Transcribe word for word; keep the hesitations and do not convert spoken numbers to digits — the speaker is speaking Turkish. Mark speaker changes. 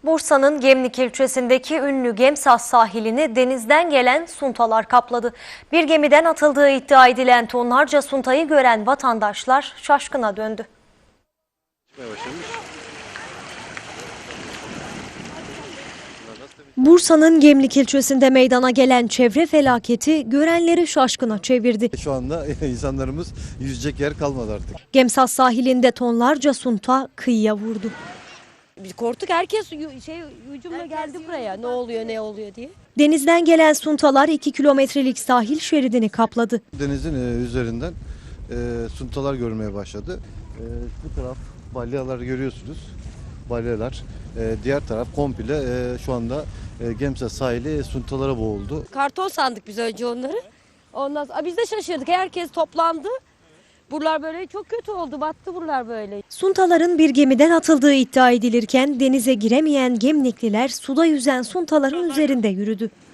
Speaker 1: Bursa'nın Gemlik ilçesindeki ünlü Gemsaz sahilini denizden gelen suntalar kapladı. Bir gemiden atıldığı iddia edilen tonlarca suntayı gören vatandaşlar şaşkına döndü. Bursa'nın Gemlik ilçesinde meydana gelen çevre felaketi görenleri şaşkına çevirdi.
Speaker 2: Şu anda insanlarımız yüzecek yer kalmadı artık.
Speaker 1: Gemsaz sahilinde tonlarca sunta kıyıya vurdu.
Speaker 3: Biz korktuk, herkes şey hücumla geldi buraya. Ne oluyor ne oluyor diye.
Speaker 1: Denizden gelen suntalar iki kilometrelik sahil şeridini kapladı.
Speaker 2: Denizin e, üzerinden e, suntalar görmeye başladı. E, bu taraf balyalar görüyorsunuz. Balyalar. E, diğer taraf komple e, şu anda e, Gemsaz sahili suntalara boğuldu.
Speaker 3: Karton sandık biz önce onları. Ondan sonra biz de şaşırdık. Herkes toplandı. Buralar böyle çok kötü oldu. Battı buralar böyle.
Speaker 1: Suntaların bir gemiden atıldığı iddia edilirken denize giremeyen Gemlikliler suda yüzen suntaların üzerinde yürüdü.